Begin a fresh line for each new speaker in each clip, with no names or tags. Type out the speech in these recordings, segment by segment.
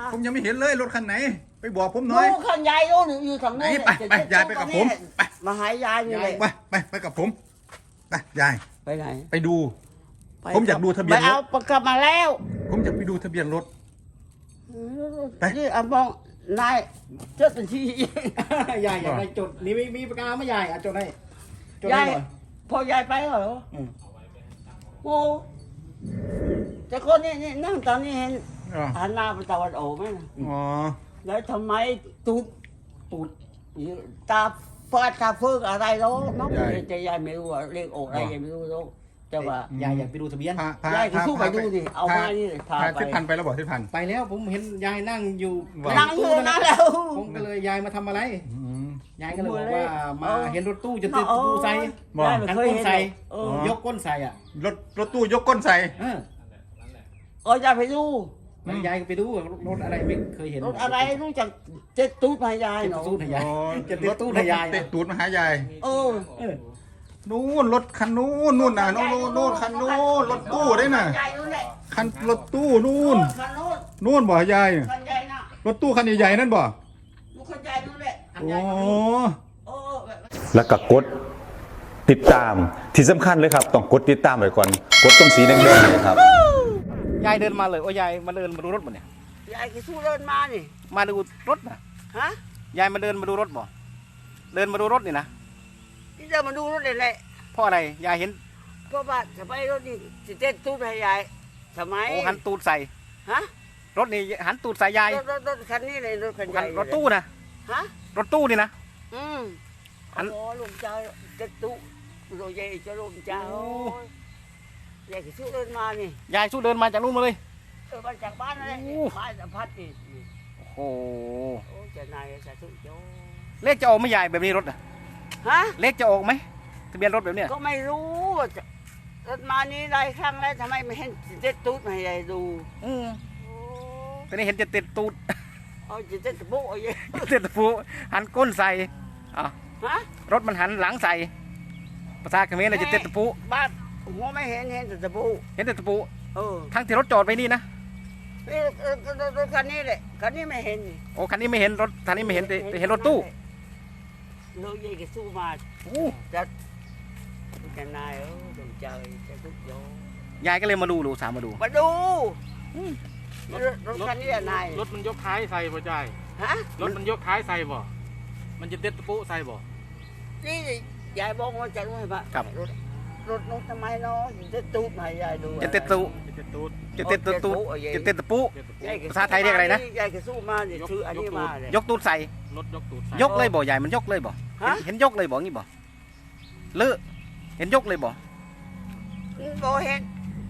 ผมยังไม่เห็นเลยรถคันไหนไปบอกผมหน่อย
ดูคันยายดูอยู่ทาง
ไหน
นี้
ไปยายไปกับผมไป
มาหายายนี่เลย
ไปกับผมไปยาย
ไปไหน
ไปดู ผมอยากดูทะเบียนรถ
ไปเอาประกลับมาแล้ว
ผมอยากไปดูทะเบียนรถ ไป
นี่เอามองนายเจ้าตันที่
ยายอยากได้จดนี่มีปากกาไหม่ยายจดให้จด
ยา
ให้
ย
หน่อย
พอยายไปเหรอ
อืม
โอ้แต่คนนี้นั่งตอนนี้เห็น
อ๋อ
หันหน้าไปตะวันออกไหมนะ
อ๋อ
แล้วทำไมตูดตาฟาดตาเฟิกอะไรแล้วน้องแต่ยายไม่รู้ว่าเรียกออกอะไรยายไม่รู้แล้วแต่ว่าย
ายอยากไปดูทะเบียน
ยายก็สู้ไปดูดิเอามานี่พา
พา
ไป
ทิศพันธุ์ไปแล้วบอกทิศพันธุ์
ไปแล้วผมเห็นยายนั่งอยู่
นั่งอยู่นั่นแล้ว
ผมก็เลยยายมาทำอะไร
อืม
ยายก็เลยบอกว่ามา
เออ
เห็นรถตู้จะติดประตูใส่
บอก
ยายไม่เคยเห็น
ใส่
เออย
กก้นใส่อ่ะ
รถตู้ยกก้นใส่
ยายไปดู
แล้วยายก็ไปดูรถอะไรไม่เคยเห็น
รถอะไรรู้จักเจ็ดตูดมายาย
เจ็ด
เนาะ
ตู้ทะยาย
อ๋อ
จะติดตู้ทะยาย
เตะตูดมาหายาย
เออ
เออ
นู่นรถคันนู้นน่ะนู่นคันนู้นรถตู้ได้น่ะ
ยายนู่นแหละ
คันรถตู้นู่น
คันนู้น
นู่นบ่ยาย
คันใหญ่น่ะ
รถตู้คันใหญ่ๆนั่นบ่
ลูกคันใหญ่นู่นแหละ
โอ้
เออ
แล้วก็กดติดตามที่สำคัญเลยครับ ต้องกดติดตามไว้ก่อนกดตรงสีแดงๆเลยครับ
ยายเดินมาเลยโอ้ยายมาเดินมาดูรถบ่เนี่ย
ยายก็สู้เดินมานี่
มาดูรถนะ
ฮะ
ยายมาเดินมาดูรถบ่เดินมาดูรถนี่นะ
ที่เดินมาดูรถเลยแหละ
เพราะอะไรยายเห็น
เพราะว่าทำไมรถนี่สิเต้นตูดให้ยายทำไม
โอ้หันตูดใส่
ฮะ
รถนี่หันตูดใส่ยาย
รถคันนี้เลยรถคันใหญ่
รถตู้นะ
ฮะ
รถตู้นี่นะ
อันโอ้ลุงเจ้าเต้นตูโรยเจ้าลุงเจ้า
โอ้
ยายก็สู้เดินมานี่
ยายสู้เดินมาจากนู่นมาเลย
มาจากบ้านนั่นแหละ
โอ้
บ้านสัมพัดนี่
โอ้โห
โอ้เจ้านายสาธุโย
เลขจะออกไหม่ยายแบบนี้รถอะ
ฮะ
เลขจะออกไหมทะเบียนรถแบบเนี้ย
ก็ไม่รู้ว่าจะรถมานี้หลายครั้งแล้วทำไมไม่เห็นเจ็ดตูดมาให้ยายดู
อืม
โอ้
ตอนนี้เห็นจะติดตูด
เอาจะเจ็ดตะโบ้ย
ติดตะปูหันก้นใส่อ่ะ
ฮะ
รถมันหันหลังใส่ภาษาเขมรเลยจะติดตะปู
บ้านหัวไม่เห็นแต่ตะโบ้
เห็นแต่ตะปู
เออ
ทั้งที่รถจอดไว้นี่นะ
นี่รถคันนี้แหละคันนี้ไม่เห็นนี่
โอ้คันนี้ไม่เห็นรถคันนี้ไม่เห็นแต่เห็นรถตู้
เราใหญ่ก็สู้มา
โอ้
จะนายดวงใจจะทุกโย
ยายก็เลยมาดูสามมาดู
มาดูรถคันนี้นาย
รถมันยกท้ายใส่บ่ใจาย
ฮะ
รถมันยกท้ายใส่บ่ มันจะเด็ดตะปุใส่บ่
นี่ยายบอกว่าจะรู้ไหมปะรถน้องทำไมเนาะจะตูดมายายดู
จะติดตู
จะเด็ดตูด
จะติดตะปูจะติดตะปู
เด็ดตะปุ
ภาษาไทยเรียกอะไรนะ
ยายก็สู้มาเนี่ยชื่ออันนี้มาเลย
ยกตูดใส่
รถยกตูดใส่
ยกเลยบ่ยายมันยกเลยบ่
ฮะ
เห็นยกเลยบ่งี้บ่เลือเห็นยกเลยบ่
โบเห็น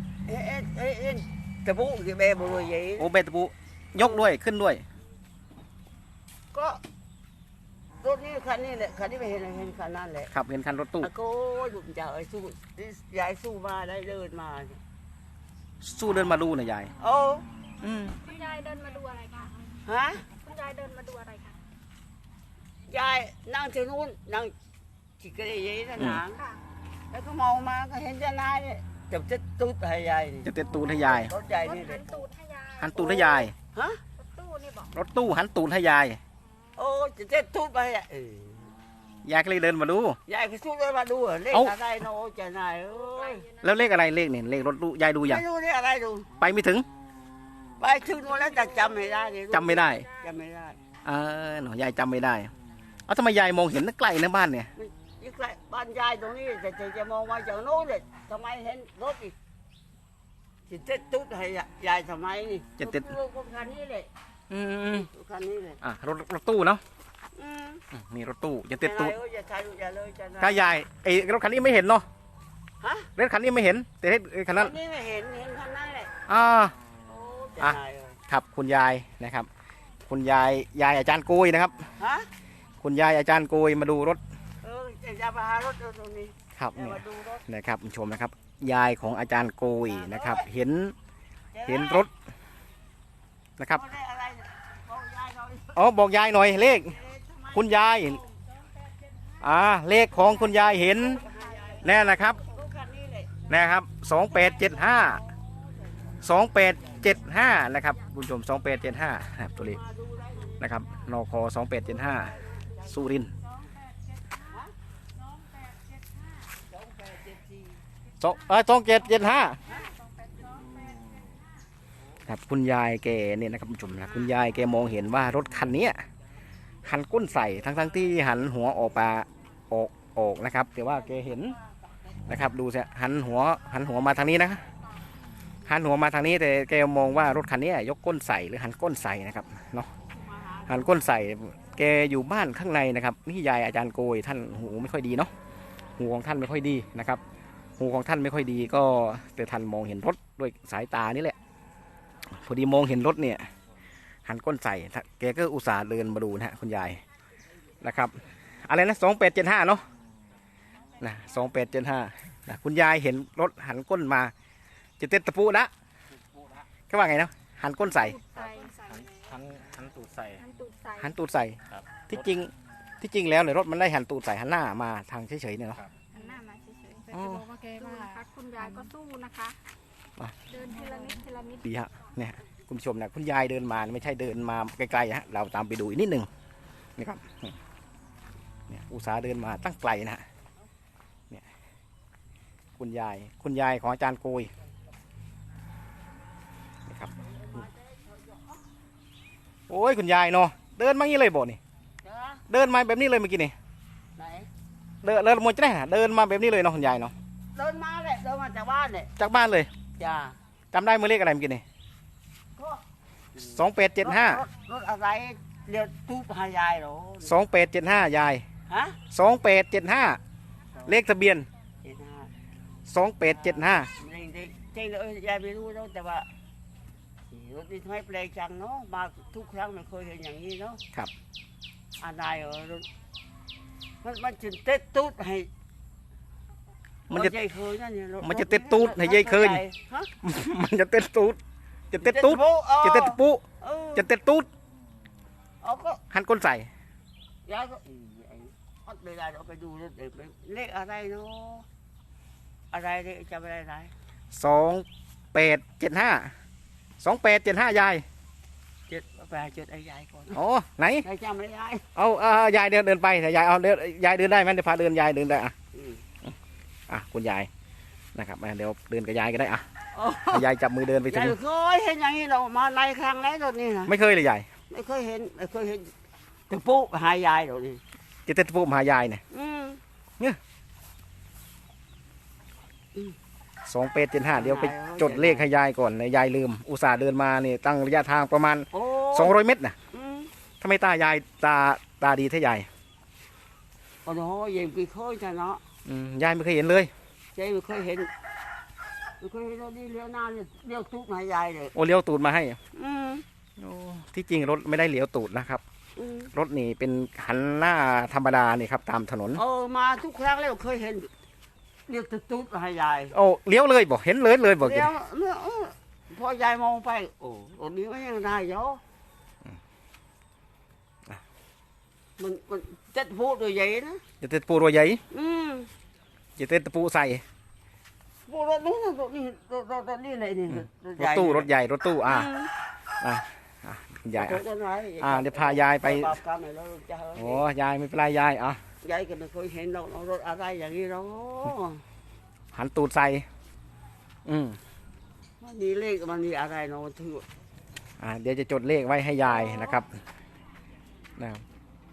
ตะปูกี่เบบุยยี่
โอ้เบตะปูยกด้วยขึ้นด้วย
ก็รถนี้คันนี้แหละคันนี้ไม่เห็นคันนั้นแหละ
ขับเห็นคันรถตู้
โก้ดุจ่าไอ้สู้ยายสู้มาได้เดินมา
สู้เดินมาดูนะยาย
โอ้
อืม
คุณยายเดินมาดูอะไรคะ
ฮะ
คุณยายเดินมาดูอะไรคะ
ยายนั่งที่นู้นนั่งจิกกระเดยนั่นหาง
ค่ะ
แล้วก็มองมาก็เห็นเจ้านายเนี่ยจะตุ๊ดให้ยายนี่
จะติดตูดให้ยาย
รถใหญ่
รถ
นี่เล
หั
ย
นตูดให้ยาย
หันตูดให้ยาย
ฮะ
รถตู้นี่บอก
รถตู้หันตูดให้ยาย
โอ้จะเจ็ดตุ๊ดไปอ่ะ
ยายก็เลยเดินมาดู
ยายก็สู้เลยมาดูเลข
เอ้า
อะไรเนาะเจ้านายเอ้ย
แล้วเลขอะไรเลขเนี่ยเลขรถตู้ยายดูยัง
ไม่รู้เลขอะไรดู
ไปไม่ถึง
ไปถึงนู้นแล้วแต่จำไม่ได้เนี่ย
จำไม่ได้
จำไม่ได้
หนูยายจำไม่ได้เอาทำไมยายมองเห็นไกลในบ้านเนี่ย
ยิ่งใกล้บ้านยายตรงนี้แต่จะมองมาจากโน้นเลยทำไมเห็นรถอีกจะเจ็ดตุ๊ดให้ยายทำไมนี่
จะติด
รถคันนี้เลย
อืม
รถคันนี้เลย
รถตู้เนาะ
อืม
มีรถตู้จะติดตูด
อย่าถ่ายรูปอย่าเลยเจ้านาย
ถ้ายายไอ้รถคันนี้ไม่เห็นเนาะ
ฮะ
รถคันนี้ไม่เห็น แต่คันนั้น
คันนี้ไม่เห็นคันนั้นแหละ
อ่า
โอ้เจ้านายเอ้ย
ครับคุณยายนะครับ คุณยายอาจารย์โกยนะครับ
ฮะ
คุณยายอาจารย์โกยมาดูรถ
จะมาหารถตรงนี้
ครับ
จะ
เนี่ย
มาดูรถ
นะครับคุณผู้ชมนะครับ ยายของอาจารย์โกยนะครับ เห็นรถนะครับ
เอาเลขอะไรเนี่ยบอกยายหน่อย
อ๋อบอกยายหน่อยเลข
เอ๊ะทำไม
คุณยายเลขของคุณยายเห็นแน่นะครับ
รถคันนี้เลย
นะครับ2875 28 2875นะครับคุณผู้ชม2875ครับตัวเลขนะครับนค2875สุรินทร์2775ครับคุณยายแกเนี่ยนะครับคุณผู้ชมนะคุณยายแกมองเห็นว่ารถคันนี้หันก้นใส่ทั้งที่หันหัวออกนะครับแต่ว่าแกเห็นนะครับดูสิหันหัวมาทางนี้นะหันหัวมาทางนี้แต่แกมองว่ารถคันนี้ยกก้นใส่หรือหันก้นใส่นะครับเนาะหันก้นใส่แกอยู่บ้านข้างในนะครับนี่ยายอาจารย์โกยท่านหูไม่ค่อยดีเนาะหูของท่านไม่ค่อยดีนะครับหูของท่านไม่ค่อยดีก็แต่ท่านมองเห็นรถด้วยสายตานี่แหละพอดีมองเห็นรถเนี่ยหันก้นใส่แกก็อุตส่าห์เดินมาดูนะฮะคุณยายนะครับอะไรนะ2875เนาะนะ2875นะคุณยายเห็นรถหันก้นมาจะเต็ดตะปูละก็ว่าไงเนาะหันก้นใส่
หันตูดใส่
หันตูดใส่
ครับ
ที่จริงแล้วเนี่ยรถมันได้หันตูดใส่หันหน้ามาทางเฉยๆเนี่ยเนาะ
หันหน้ามาเฉย
อ๋อ
ๆบอกว่าแกว่านะคะคุณยายก็สู้นะคะ
อ่ะ
เดินทีละนิดทีละนิด
ดีฮะเนี่ยคุณผู้ชมนะคุณยายเดินมาไม่ใช่เดินมาไกลๆฮะเราตามไปดูอีกนิดหนึ่งนี่ครับเนี่ยอุตสาห์เดินมาตั้งไกลนะฮะเนี่ยคุณยายของอาจารย์โกยนี่ครับโอ้ยคุณยายเนาะเดินมางี้เลยบ่นี่เดินมาแบบนี้เลยเมื่อกี้นี่
ไหน
เดินหมดจะได้ฮะเดินมาแบบนี้เลยเนาะคุณยายเนาะ
เดินมาเลยเดินมาจากบ้านเลย
จากบ้านเลย
จ้า
จำได้เมื่อเลขอะไรเมื่อกี้นี่
ก็
2875
รถอะไรเรียกตู้พายายเหรอ
2875ยาย
ฮะ
2875เลขทะเบียน
เจ็ดห้า
2875
จริงเลยยายไม่รู้แล้วแต่ว่ารถนี่ทำไมแปลกจังเนาะมาทุกครั้งไม่เคยเห็นอย่างนี้เนาะ
ครับ
อะไรรถมันจะเต็ดตู้ให้
มันจะ
รถยายเคยนั่นเนี่ยรถ
มันจะเต็ดตูดให้ยายเคย
ฮะ
มันจะเต้นตูดจะเต้นตูดจะเต้นปุ
เออ
จะเต้นตูด
เอาก็
หันก้นใส่
ยายก็เอาเวลาเราไปดูรถเด็กเลขอะไรเนาะอะไรเนี่ยจำอะไรได้
2875ยาย
เจ็ดไปหาจุดไอ้ยายก่อน
อ๋อไหน
ใครจำไม่ได้
เอายายเดินไปแต่ยายเอายายเดินได้ไหมเดี๋ยวพาเดินยายเดินได้อ่ะคุณยายนะครับเดี๋ยวเดินกับยายก็ได้อ่ะให้ยายจับมือเดินไปถึ
ยาง ยเคยเห็นอย่างนี้เรามาหลายครั้งแล้วรถนี่นะ
ไม่เคยเลยยาย
ไม่เคยเห็นตะปูหายายรถนี่
จะเต้นปุมาหายายเนี่ย2875เดี๋ยวไปจดเลขให้ยายก่อนยายลืมอุตส่าห์เดินมานี่ตั้งระยะทางประมาณ
โอ้
200 เมตรนะทำไมตายายตาดีเท่ายาย
โอ้โหยังไม่เคยจะเนาะ
ยายไม่เคยเห็นเลย
เจ๊ไม่เคยเห็นรถนี่เลี้ยวหน้าเนี่ยเลี้ยวทุกหายายเลย
โอเลี้ยวตูดมาให้
อืม
โอ้ที่จริงรถไม่ได้เลี้ยวตูดนะครับ
อืม
รถนี่เป็นหันหน้าธรรมดานี่ครับตามถนน
มาทุกครั้งแล้วเคยเห็นเลี้ยวตุ๊ดหายาย
โอ้เลี้ยวเลยบอกเห็นเลยบอก
เลี้ยวเนี่ยพอยายมองไปโอ้รถนี้มันยังได้เยอะมันเจ็ดพูดโดยใหญ่นะ
จะเต้นปูรัวใหญ่ จะเต้นตะปูใส่
พูดรถนู้นรถนี่อะไรนี่
รถตู้รถใหญ่รถตู้อ่ะคุณยายเดี๋ยวพายายไปโอ้ยายไม่เป็นไรยายอ่ะ
ยายก็ไม่เคยเห็นรถอะไรอย่างนี้หรอก
หันตูดใส่
มันมีเลขมันมีอะไรเนาะถือ
เดี๋ยวจะจดเลขไว้ให้ยายนะครับนะครับ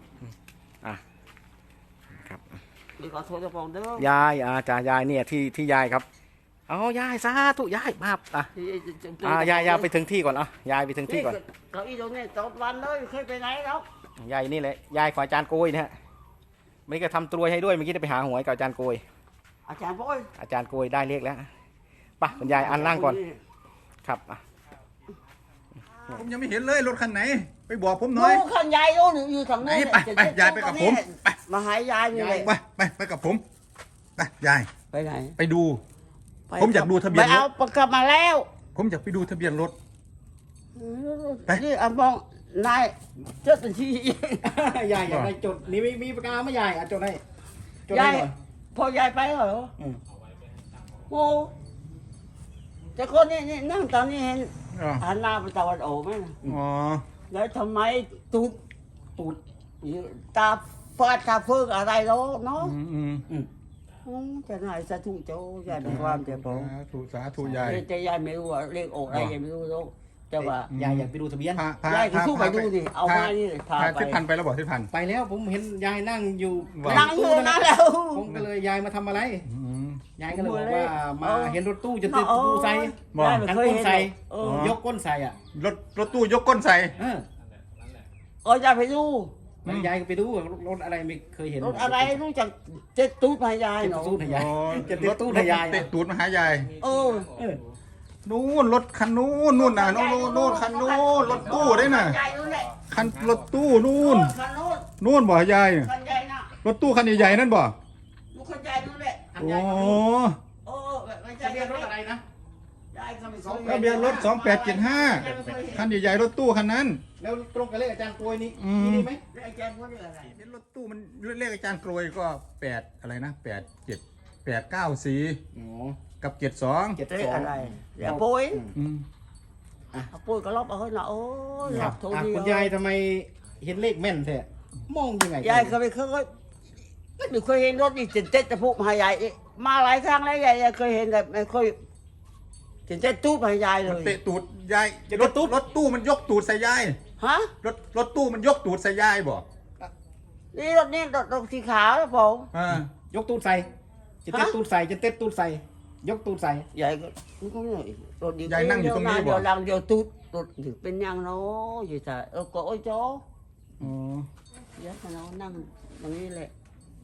ครับ
เดี๋ยวขอโทษจะฟ้องเด้อย
ายจ่ายายเนี่ยที่ยายครับเอายายสาธุยายมายายไปถึงที่ก่อนยายไปถึงที่ก่อน
เก้าอี้ตรงนี้ตลอดวันเลยเคยไปไหนครับ
ยายนี่แหละยายของอาจารย์โกยนะฮะไม่ก็ทำตรวยให้ด้วยเมื่อกี้ได้ไปหาหวยกับอาจารย์โกย
อาจารย์โบย
อาจารย์โกยได้เลขแล้วป่ะคุณยายอันนั่งก่อนครับ
ผมยังไม่เห็นเลยรถคันไหน ไปบอกผมหน่อย
ดูขันยายดูอยู่ทาง
ไหน
นี้
ไปยายไปกับผมไป
มาหายยายนี่เลย
ไปกับผมไปยาย
ไปไหน
ไปดู ผมอยากดูทะเบียนรถ
ไปเอาประกลับมาแล้ว
ผมอยากไปดูทะเบียนรถ ไป
นี่มองนายเจ้าตันที
ยายอยากได้จดนี่มีปากกาไหมยายจดให้จด
ยา
ให้
ย
หน่อย
พอยายไปเหรอโอ้แต่คนนี่นั่งตอนนี้เห็นหันหน้าไปตะวันออกไหมนะ
อ๋อ
แล้วทำไมตูดตาฟาดตาเฟิกอะไรเนาะเนาะ จะไหนสาธุเจ้ายายเป็นความเจ็บปวด
สาธุยาย
แต่ยายไม่รู้ว่าเลขออกอะไรยายไม่รู้แล้วแต่ว่าย
ายอยากไปดูทะเบียน
ยายก็สู้ไปดูดิเอามานี่พา
พา
ไป
ทิศพันไปแล้วบอกทิศพัน
ไปแล้วผมเห็นยายนั่งอยู่
นั่งอยู่นั่นแล้ว
ผมก็เลยยายมาทำอะไร
อืม
ยายก็เลยบอกว่ามาเห็นรถตู้จะติดตู้ใส่
บอก
ยายไม่
หัน
เคย
ก้น
เห็น
ใส่
เออย
กก้นใส่อ่ะ
รถตู้ยกก้นใส่
ยายไปดู
แล้วยายก็ไปดูรถอะไรไม่เคยเห็น
รถอะไรรู้จักเจ็ดตู้พายาย
เจ็ด
เนาะ
ตู้ทะยาย
อ๋อ
จะติดตู้ทะยาย
เตะตูดมาหายาย
เออ
นู่นรถคันนู้นนู่นน่ะนู่นคันนู้นรถตู้ได้น่ะ
ยายนู่นแหละ
คันรถตู้นู่น
คันนู้น
นู่นบ่ยาย
คันใหญ่น่ะ
รถตู้คันใหญ่ๆนั่นบ่
ลูกคันใหญ่นู่นแหละ
โอ้
โอ้ไม่ใช่
ทะเบียนรถอะไรนะ
ยายก็ไม่
ทะเบียนรถ2875คันใหญ่ๆรถตู้คันนั้น
แล้วตรงกับเลขอาจารย์กลวยนี่
อืม
นี่ไหม
ไอ้แจงว่าเรื่องอะไร
เห็นรถตู้มันเลขอาจารย์กรวยก็8อะไรนะ89894
อ๋อ
กับ72
เจ็ด
เรื่อง
สอง
อะไรอย่าปุ้ย
อืม
ปุ้ยก็ลบเอาให้หน่อยโอ้ยห
ค
ลั
รั
บบ โทษ
อ่ะ
ดี
คุณยายทำไมเห็นเลขแม่นแท้มองยังไง
ยายก็ไม่เคยไม่เคยเห็นรถนี่เจ็ดจะพูดมายายมาหลายครั้งแล้วยายเคยเห็นแต่ไม่เคยเจ็ดตู้มายายเล
มัน
ย
เตะตูดยายรถตู้มันยกตูดใส่ยาย
ฮะ
รถตู้มันยกตูดใส่ยายบ่
นี่รถนี่รถสีขาวนะผม
อ่าย
กตูดใส่จะเต็ดตูดใส่จะเต็ดตูดใส่ยกตูดใส่
ยายก็ก็ไม่รถดี
ยายนั่งอยู่ตรงนี้บ่
เดี๋ยวลังเดี๋ยวตู้รถถึงเป็นยังเนาะอยู่แต่ก็โอ้ยโจ้
อ๋อ
เดี๋ยวเรานั่งตรงนี้แหละ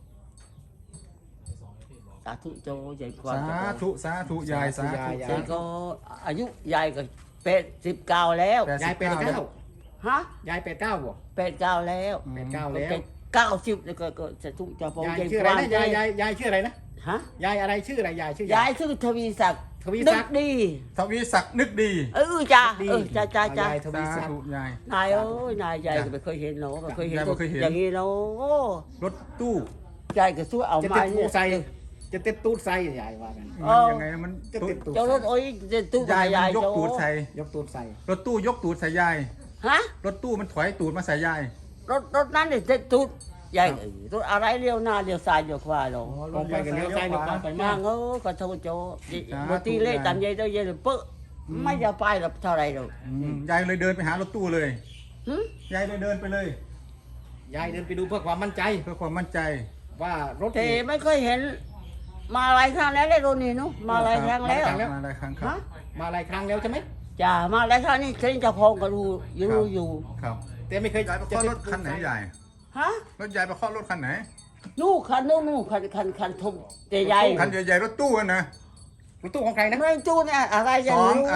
สาธุโจ้ใหญ่กว่า
สาธุยายสาธุ
ยายก็อายุยายก็89แล้ว
ยายเป็นเก้า
ฮะ
ยายเป็นเก้าบ่
89แล้ว
เป็นเก้าแล้ว
90แล้วก็จะทุกจะพง
ยาย
ใจ
ชื่อ
ค
อะไร
วาม
นะ
ใจ
ยายชื่ออะไรนะ
ฮะ
ยายอะไรชื่ออะไรยายชื่อย
ายชื่อทวีศักดิ์
ทวีศักดิ์
นึดี
ทวีศักดิ์นึกดี
จ้า
ดี
จ้า
ยายทวี
สา
ศัก
ธุ
ดิ์
ยาย
นายเอ้ยนายยายก็ไม่เคยเห็นเนาะไม่เคยเห็น
ยายไม่เคยเห็น
อย่างนี้เนาะ
รถตู้
ยายก็สู้เอา
จะ
มา
เต็ดตู
เนี่
ดใส่
ย
จะเต็ดตูดใส่ยายว่ากัน
มันยังไงมัน
จะเต็ดตูด
เจ้ารถโอ้ยจะตู้
ยาย
ยาย
มันยก
โจ้
ตูดใส่
ยกตูดใส่
รถตู้ยกตูดใส่ยาย
ฮะ
รถตู้มันถอยตูดมาใส่ยาย
รถนั้นเนี่ยจะตู้ยายรถอะไรเลี้ยวหน้าเลี้ยวซ้ายเลี้ยวขวาเนาะ
ลงไปกันเลี้ยวซ้ายเลี้ยวขวาไป
นั่งก็โทษโจ้บางทีเล่ตามยายเจ้ายายเลยเป๊ะไม่จะไปหรอกเท่าไรหรอก
ยายเลยเดินไปหารถตู้เลย
หึ
ยายเลยเดินไปเลย
ยายเดินไปดูเพื่อความมั่นใจ
เพื่อความมั่นใจ
ว่ารถ
แต่ไม่เคยเห็น มาหลายครั้งแล้วเลยโรนี่เนาะมาหลายครั้งแล้ว
มาหลายครั้งครับ
ฮะ
มาหลายครั้งแล้วใช่ไหม
จ้ามาหลายครั้งนี่ฉันจะพองก็รู้อยู่
ครับ
แต่ไม่เคย
ยายไปเคาะรถคันไหนยาย
ฮะ
รถยายไปเคาะรถคันไหน
นู่คันนู่คันทมแต่ใหญ่
คันใหญ่ๆรถตู้อะนะ
รถตู้ของใครนะ
ไม่จูเนี่ยอะไรอ
ส
ย่าง
อง
นี้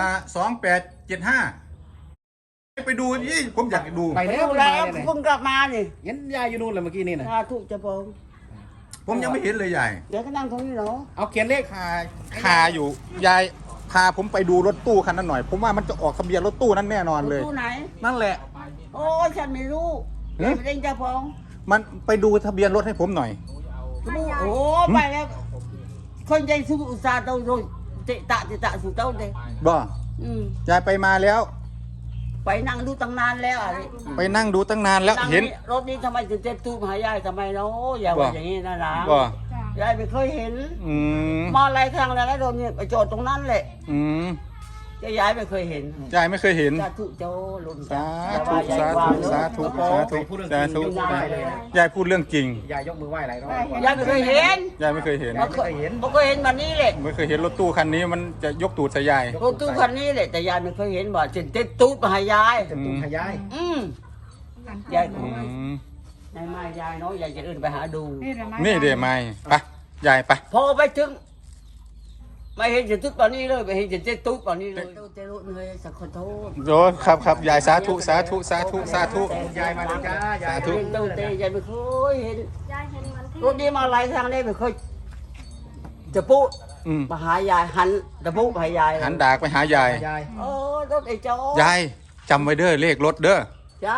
2875ไปดูยี่ผมอยากดู
ไป
ไป
แล้ว
ดู
ไป
แล้ว
มาเนี่ย
เพิ่งกลับมานี่
เห็นยายอยู่นู่นเลยเมื่อกี้นี่นะ
สาธุจะพอง
ผมยังไม่เห็นเลยยาย
เดี๋ยวก็นั่งตรงนี้เนาะ
เอาเขียนเลข
คาอยู่ยายพาผมไปดูรถตู้คันนั้นหน่อย ผมว่ามันจะออกทะเบียนรถตู้นั้นแน่นอนเลย
ตู้ไหน
นั่นแหละ
โอ้ยฉันไม่รู้
หึ
ไม่ได้จะพอง
มันไปดูทะเบียนรถให้ผมหน่อย
โอ้ไปแล้วคนใจสู้อุตส่าห์เต้าโรยเตะตะสู่เต้าเลย
บ่ ยายไปมาแล้ว
ไปนั่งดูตั้งนานแล้วอะไร
ไปนั่งดูตั้งนานแล้ว
นั่ง
เห็น
รถนี้ทำไมถึงเจ็ดตู้มหายายทำไมเนาะอย่า
บ่
ว่าอย่างนี้นะหลาน
บ่
ยายไม่เคยเห็น
อืม
มาหลายครั้งแล้วแล้วโดนเนี่ยไปจอดตรงนั้นแหละ
อืม
แต่ยายไม่เคยเห็น
ยายไม่เคยเห็น
สาธุเจ้าลุน
สา
อย่
ธุ
ว่ยย
สา
ว่า
ธุ
เนอะ
สาธุสาธุสาธุ
ยายเลยนะ
ยายพูดเรื่องจริง
ยายยกมือไหว้หลายรอบ
ยายไม่เคยเห็น
ยายไม่เคยเห็น
ไม่เคยเห็นวันนี้แหละ
ไม่เคยเห็นรถตู้คันนี้มันจะยกตูดใส่ยาย
รถตู้คันนี้แหละแต่ยายไม่เคยเห็นว่าเจ็ดตู้มหายาย
จะตุ้มขยาย
ยาย
อืม
ยายมายายเนาะยายจะเดินไปหาดู
นี่เดี๋ยวไม่ไปยายไป
พอไปถึงไม่เห็นจะตุ๊ดป่านนี้เลยไม่เห็นจะเจ็ดตุ๊ดป่านนี้เลยเจ้ารุ่นเลยสักขอโทษ
โยครับยายสาธุสาธุสาธุสาธุ
ยายมาดูจ้ายาย
สาธุ
เห็นเต้าเตยายไม่เคยเห็น
ยายเห็นวันที่
รถนี้มาหลายครั้งเลยไม่เคยจะปุ๊
อืม
มาหายายหันจะปุ๊มาหายาย
หันดากไปหายาย
ยาย
โอ้รถไอ้เจ้าย
ายจำไว้เด้อเลขรถเด้อ
จ้ะ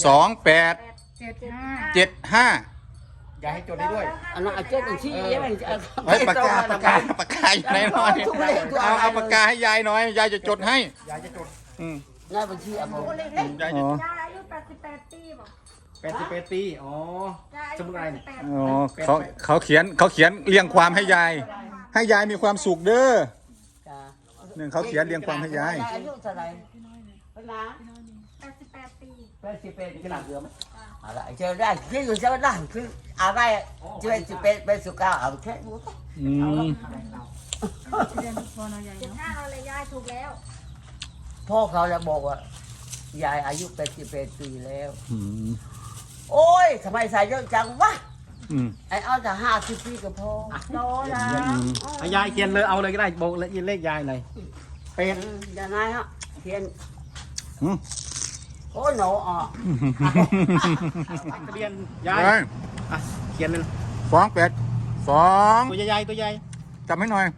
2875
ยายให้จดได้ด้วย
อันนั้นเจ้าเป็นชี้ยังไง
ไว้ปากกาอยู่ไหนหน่อยเอาปากกาให้ยายหน่อยยายจะจดให้
ยายจะจด
นายบัญชีอ่ะผม
ยาย
อ๋อ
ยายอายุ88 ปีบอก
88 ปีอ๋อย
ายอา
ส
ยุ
มุนไพรเนี่ย
88
อ๋อเขาเขียนเรียงความให้ยาย ให้ยายมีความสุขเด้อ
จ้า
หนึ่งเขาเขียนเรียงความให้ยาย
อายุเท่าไหร่เป็นนะ
88 ปี
เป็นขนาดเดิมอะไรเจอได้ที่อยู่เจอได้คืออะไรเจอจะเป็นสุก้าเอาแค่รู้
อืม
75เราเลยยายถูกแล้ว
พ่อเขาจะบอกว่ายายอายุ88 ปีแล้ว
อืม
โอ้ยทำไมใส่เยอะจังวะ
อืม
ไอ้เอาแต่50 ปีก็พอโตแล้ว
ยายเขียนเลยเอาเลยก็ได้บอกเลขยายหน่อยเป็น
ยังไงฮะเขียน
อืม
โอ้หนูอ่ะ
ทะเบียนยาย
ยาย
อ่ะเขียนเลย
282
ตัวใหญ่ตัวใหญ่
จำให้หน่อย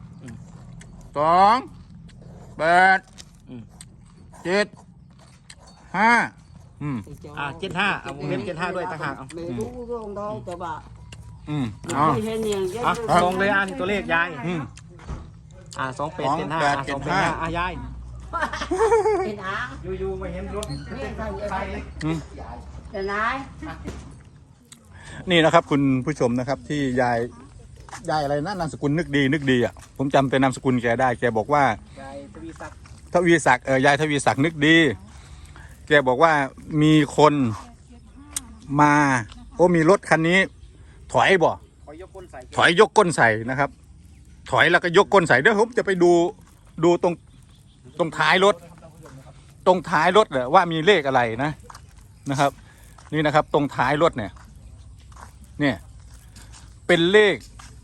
2 8 7 5
75เอาเล่ม75ด้วยต่างหากเอา
ไม่รู้เรื่องได้แต่ว่า
เอา
ไม่เห็นอย่างเงี้ย
ลงเลยนี่ตัวเลขยาย
อืม
2875 285ยาย
เป็นหาง
อยู่มาเห็นรถ
นี่ใครใคร
อืม
จะไหน
นี่นะครับคุณผู้ชมนะครับที่ยายอะไรนะนามสกุลนึกดีอ่ะผมจำเป็นนามสกุลแกได้แกบอกว่าย
ายทวีศักดิ์
ทวีศักดิ์ยายทวีศักดิ์นึกดีแกบอกว่ามีคนมามีรถคันนี้ ถอยบ่
ขอยกก้นใส่
ถอยยกก้นใส่นะครับ ถอยแล้วก็ยกก้นใส่เดี๋ยวผมจะไปดูตรงท้ายรถเนี่ยว่ามีเลขอะไรนะครับ นี่นะครับ ตรงท้ายรถเนี่ยเป็นเลข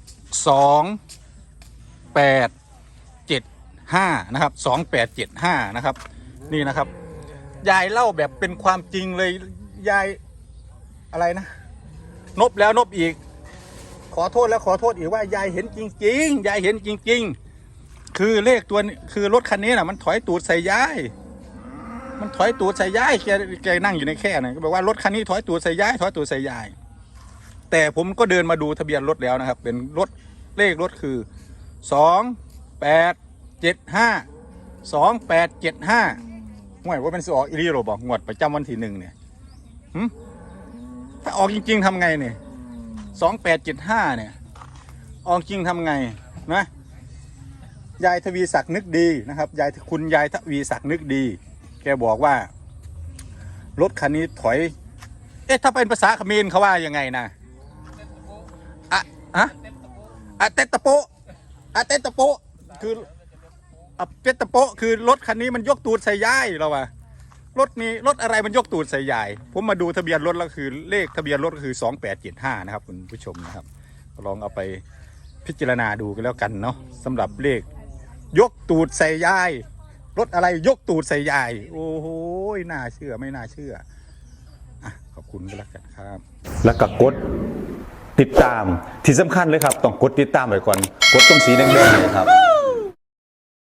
2875นะครับ2875นะครับนี่นะครับยายเล่าแบบเป็นความจริงเลยยายอะไรนะนบแล้วนบอีกขอโทษแล้วขอโทษอีกว่ายายเห็นจริงๆยายเห็นจริงๆคือเลขตัวนี้คือรถคันนี้นะมันถอยตูดใส่ยายมันถอยตูดใส่ยายแกนั่งอยู่ในแค่น่ะก็บอกว่ารถคันนี้ถอยตูดใส่ยายถอยตูดใส่ยายแต่ผมก็เดินมาดูทะเบียนรถแล้วนะครับเป็นรถเลขรถคือ2875ห่วยว่าเป็นสิออกอีรีโรบอกงวดประจำวันที่1เนี่ยถ้าออกจริงๆทำไงเนี่ย2875เนี่ยออกจริงทำไงนะยายทวีศักดิ์นึกดีนะครับคุณยายทวีศักดิ์นึกดีแกบอกว่ารถคันนี้ถอยถ้าเป็นภาษาเขมรเขาว่ายังไงนะเตตะโปเตตะโปคือเตตะโปคือรถคันนี้มันยกตูดใส่ยายเราว่ารถอะไรมันยกตูดใส่ยายผมมาดูทะเบียนรถแล้วคือเลขทะเบียนรถก็คือ2875นะครับคุณผู้ชมนะครับลองเอาไปพิจารณาดูกันแล้วกันเนาะสำหรับเลขยกตูดใส่ยายรถอะไรยกตูดใส่ยายโอ้โหน่าเชื่อไม่น่าเชื่อขอบคุณก็แล้วกันครับ
แล้วก็กดติดตามที่สำคัญเลยครับต้องกดติดตามไว้ก่อนกดตรงสีแดงๆเลยครับ